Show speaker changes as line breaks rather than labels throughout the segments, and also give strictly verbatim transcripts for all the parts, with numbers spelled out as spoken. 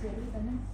ดี๋ยวดูกันนะ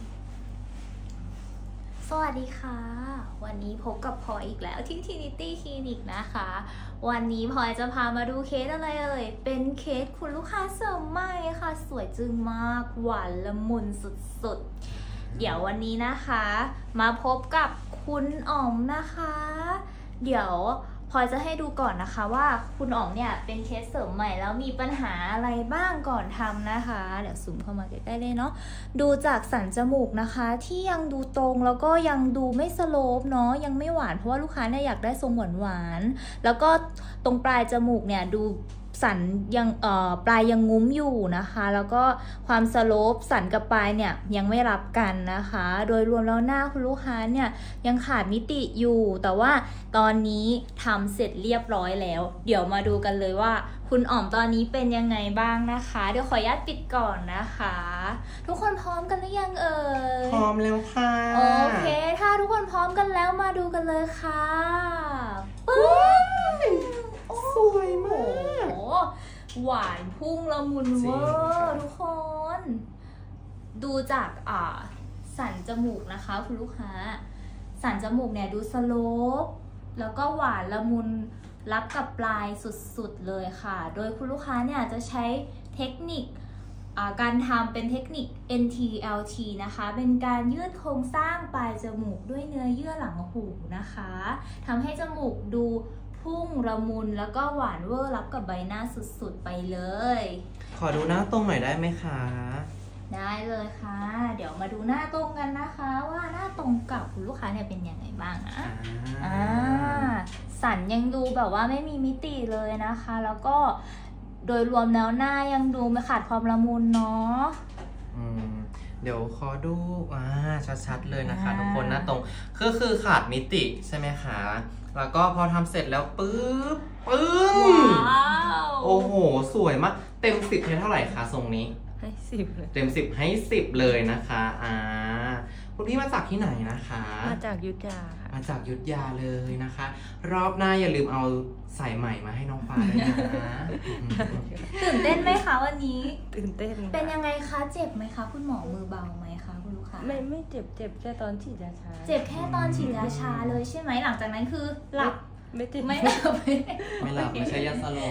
สวัสดีค่ะ วันนี้พบกับพลอยอีกแล้วที่ Trinity Clinic นะคะ วันนี้พลอยจะพามาดูเคสอะไรเอ่ย เป็นเคสคุณลูกค้าเสริมใหม่ค่ะ สวยจึงมาก หวานละมุนสุดๆ เดี๋ยววันนี้นะคะ มาพบกับคุณอ๋อมนะคะ เดี๋ยวพลอยจะให้ดูก่อนนะคะว่าคุณอ๋อมเนี่ยเป็นเคสเสริมใหม่แล้วมีปัญหาอะไรบ้างก่อนทำนะคะ เดี๋ยวซูมเข้ามาใกล้ๆเลยเนาะดูจากสันจมูกนะคะที่ยังดูตรงแล้วก็ยังดูไม่สโลปเนาะยังไม่หวานเพราะว่าลูกค้าเนี่ยอยากได้ทรงหวานๆแล้วก็ตรงปลายจมูกเนี่ยดูสันยังเอ่อปลายยังงุ้มอยู่นะคะแล้วก็ความสโลปสันกับปลายเนี่ยยังไม่รับกันนะคะโดยรวมแล้วหน้าคุณลูกค้าเนี่ยยังขาดมิติอยู่แต่ว่าตอนนี้ทำเสร็จเรียบร้อยแล้วเดี๋ยวมาดูกันเลยว่าคุณอ๋อมตอนนี้เป็นยังไงบ้างนะคะเดี๋ยวขออนุญาตปิดก่อนนะคะทุกคนพร้อมกันหรือยังเอ่ย
พร้อมแล้วค่ะ
โอเคถ้าทุกคนพร้อมกันแล้วมาดูกันเลยค่ะปึ๊บ
สวยมาก
โอ้โหหวานพุ่งละมุนเวอร์ทุกคน ดูจากอ่าสันจมูกนะคะคุณลูกค้า สันจมูกเนี่ยดูสโลปแล้วก็หวานละมุนรับกับปลายสุดๆเลยค่ะ โดยคุณลูกค้าเนี่ยจะใช้เทคนิคการทำเป็นเทคนิค เอ็น ที แอล ที นะคะเป็นการยืดโครงสร้างปลายจมูกด้วยเนื้อเยื่อหลังหูนะคะทำให้จมูกดูพุ่งละมุนแล้วก็หวานเวอร์รับกับใบหน้าสุดๆไปเลย
ขอดูหน้าตรงหน่อยได้ไหมคะ
ได้เลยค่ะ เดี๋ยวมาดูหน้าตรงกันนะคะ ว่าหน้าตรงกับคุณลูกค้าเนี่ยเป็นยังไงบ้างนะ
อ่า
อ่าสันยังดูแบบว่าไม่มีมิติเลยนะคะ แล้วก็โดยรวมแล้วหน้ายังดูไม่ขาดความละมุนเนาะ
อืมเดี๋ยวขอดูอ่าชัดๆเลยนะคะ
อ่า
ทุกคนหน้าตรงคือคือขาดมิติใช่ไหมคะแล้วก็พอทำเสร็จแล้วปึ๊บปึ้ง
ว้าว
โอ้โหสวยมากเต็มสิบให้เท่าไหร่คะทรงนี้
ให้สิบเลย
เต็มสิบให้สิบเลยนะคะอ่าคุณพี่มาจากที่ไหนนะคะ
มาจากยุทธยาค่ะ
มาจากยุทธยาเลยนะคะ รอบหน้าอย่าลืมเอาสายใหม่มาให้น้องฟ้าด้วยนะ
ตื่นเต้นไหมคะวันนี้
ตื่นเต้นค่ะ
เป็นยังไงคะเจ็บไหมคะคุณหมอมือเบาไหมคะคุณลูกค้า
ไม่ไม่เจ็บเจ็บแค่ตอนฉีดยาชา
เจ็บแค่ตอนฉีดยาชาเลยใช่ไหมหลังจากนั้นคือหลับ
ไม่เจ็บ
ไม่หลับ
ไม่หลับไม่ใช่ยาสลบ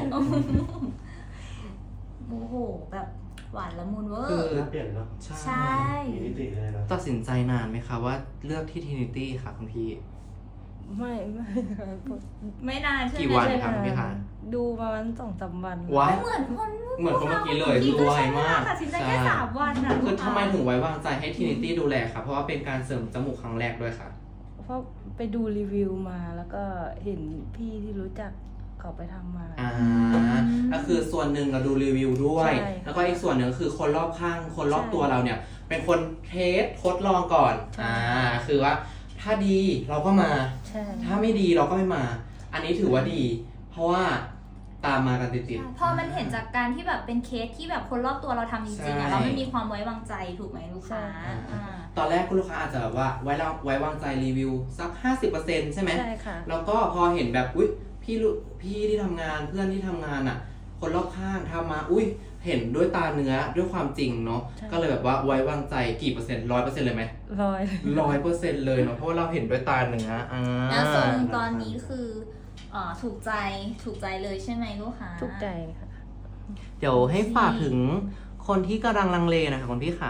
โอ้โหแบบหวานละมุนเวอ
คือ
ร์
เปลี่ยนเนาะ
ใช่
มีมิติเลยนะ
ตัดสินใจนานไหมคะว่าเลือกที่ Trinity ค่ะคุณพี่
ไม่ไม่ค่ะ
ไม่นานใช่ไหม
กี่วัน
ใช่
ครับพี่คะ
ดูประมาณสองสามวัน
ว้าย
เหมือนคน
เหมือนคนเมื่อกี้เลย
มื่อ
รวยมาก
ตัดสินใจแค่
ใช่
สามวันนะ
คือทำไมถึงไว้วางใจให้ Trinity ดูแลค่ะ เพราะว่าเป็นการเสริมจมูกครั้งแรกด้วยค่ะ
เพราะไปดูรีวิวมาแล้วก็เห็นพี่ที่รู้จักเขาไปทำมา
อ่าก็คือส่วนหนึ่งเราดูรีวิวด้วย
ใช่
แล้วก็อีกส่วนหนึ่งคือคนรอบข้าง คนรอบ
ใช่
ตัวเราเนี่ย เป็นคนเทสทดลองก่อน
ใช่
อ่า คือว่าถ้าดีเราก็มา
ใช่
ถ้าไม่ดีเราก็ไม่มา อันนี้ถือว่าดี เพราะว่าตามมากันติดๆ
พอมันเห็นจากการที่แบบเป็นเคสที่แบบคนรอบตัวเราทำจริงๆอะ
ใช่
เราไม่มีความไว้วางใจถูกไหมลูกค้าอ่า
ตอนแรกคุณลูกค้าอาจจะแบบว่าไว้เราไว้วางใจรีวิวสัก ห้าสิบเปอร์เซ็นต์ ใช่ไหม
ใช่ค่ะ
แล้วก็พอเห็นแบบอุ๊ยพี่ลุพี่ที่ทำงานเพื่อนที่ทำงานอ่ะ คนรอบข้างทำมาอุ๊ยเห็นด้วยตาเนื้อด้วยความจริงเนาะ
ใช่
ก็เลยแบบว่าไว้วางใจกี่เปอร์เซ็นต์ร้อยเปอร์เซ็นต์เลยไหม
ร้อย
ร้อยเปอร์เซ็นต์เลยเนาะเพราะว่าเราเห็นด้วยตาเนื้ออ่า
แล้วทรงตอนนี้คืออ่าถูกใจถูกใจเลยใช่ไหมลูกค้า
ทุกใจค่ะ
เดี๋ยวให้ฝากถึงคนที่กำลังลังเลนะคะคุณพี่ขา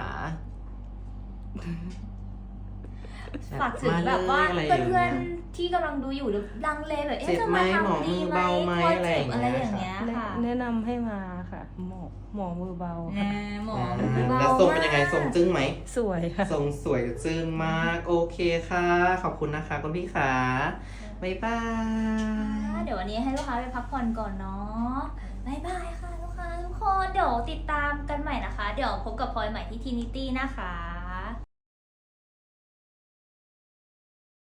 ฝากถึงแบบว่าเพื่อนๆที่กำลังดูอยู่หรือลังเลแบบเอ๊ะ
เจ็บ
จะ
ไหม
มา
หมอ
ทำดี
มือ
ไหม
เบาไหม
กลัว
อะไร
เจ็บอะไรอ
อย่าง
ย่าง
เงี้
เงี้
ย
ยค่ะ
แนะนำให้มาค่ะ หมอหมอมือเบา
แห
ค่ะ
มหมอ
อ่า
มือเบา
แล้วทรงเป็นยังไงทรงจึ้งไหม
สวยค่ะ
ทรงสวยจึ้งมากโอเคค่ะ ขอบคุณนะคะคุณพี่ขาบ๊ายบาย
เดี๋ยววันนี้ให้ลูกค้าไปพักผ่อนก่อนเนาะบายบายค่ะลูกค้าทุกคนเดี๋ยวติดตามกันใหม่นะคะ เดี๋ยวพบกับพลอยใหม่ที่ Trinity นะคะ